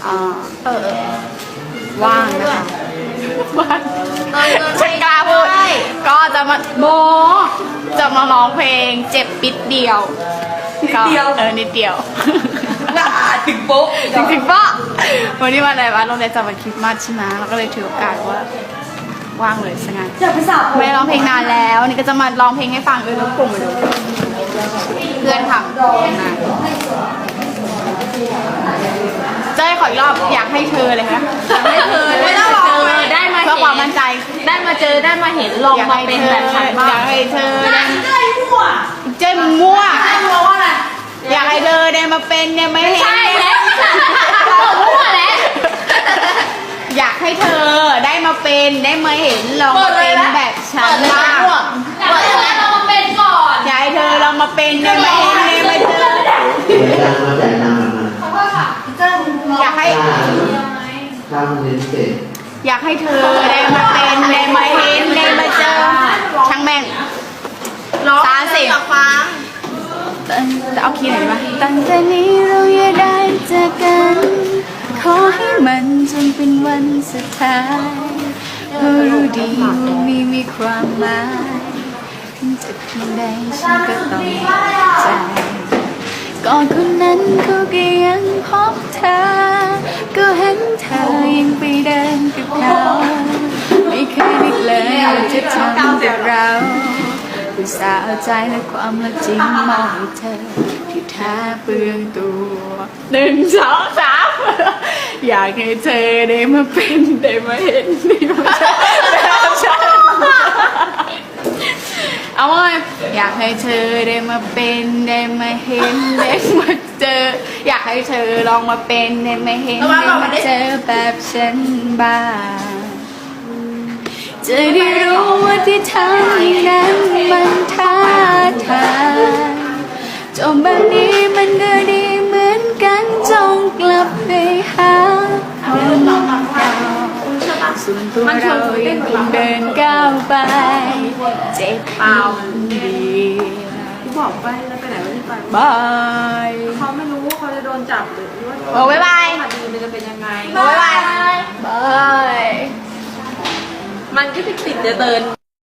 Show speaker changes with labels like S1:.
S1: ว่างนะคะว่างฉันกล้าพูดก็จะมาจะมาร้องเพลงเจ็บปิดเดียวนิดเดียวนิดเดียว
S2: ถึงโป๊ะ
S1: ถึงโป๊ะวันนี้วันอะไรวะโรงเรียนจัดวันคริสต์มาสใช่ไหมเราก็เลยถือโอกาสว่าว่างเลยซะงั้นไม่ร้องเพลงนานแล้วนี่ก็จะมาร้องเพลงให้ฟังแล้วกลุ่มมาดูเพื่อนทำนะเจ้ขออีกรอบอยากให้เธอเลยคะ
S2: ให้เธอไม่ต้องรอได้มา
S1: เพื่อความมั่นใจ
S2: ได้มาเจอได้มาเห็นลองมาเป็นแบบฉันบ้าง
S1: อยากให้เธอเจ้มึงมั่วอยากให้เธอได้มาเป็นเนี่ยไม่เห็น
S2: ใช่แล้วมั่วแล้ว
S1: อยากให้เธอได้มาเป็นได้มาเห็นลองมาเป็นแบบฉันบ้าง
S2: อยากให้เรามาเป็นก่อน
S1: อยากให้เธอลองมาเป็นได้มาเห็นได้มาเจออยากให้อยากให้เธอได้มาเป็นได้มาเห็นได้มาเจอช่างแม่ง30
S2: ฟัง
S1: เอาคีย์ไหนมาตั้งแต่นี้เราอย่าได้เจอกันขอให้มันจนเป็นวันสุดท้ายเพราะรู้ดีว่ามีความหมายถึงจะเพียงใดฉันก็ต้องใจก่อนคนนั้นเขาก็ยังพบเธอก็เห็นเธอยังไปเดินกับเขาไม่เคยนึกเลยว่าจะทำกับเราอุตส่าห์เอาใจและความรักจริงมอบให้เธอที่แท้เปลืองตัว1 2 3อยากให้เธอได้มาเป็นได้มาเห็นได้มาเจอแบบฉันเอาไว้อยากให้เธอได้มาเป็นได้มาเห็นได้มาเจออยากให้เธอลองมาเป็นได้มาเห็นได้มาเจอแบบฉันบ้างจะได้รู้ว่าที่ทำนั้นมันท้าทายจบแบบนี้มันก็ดีเหมือนกันจงกลับไปหาคนเก่าส่วนตัวเรายังคงเดินก้าวไปเจ็บเปล่าดี
S2: บอกไปแล้วไปไหนไม่ไป
S1: บาย
S2: เขาไม่รู้ว่าเขาจะโดนจับหรือว่า
S1: โอ้บ๊ายบาย
S2: คดีมันจะเป็นยังไง
S1: บ๊ายบายบาย
S2: มันก็ติดจะเดิน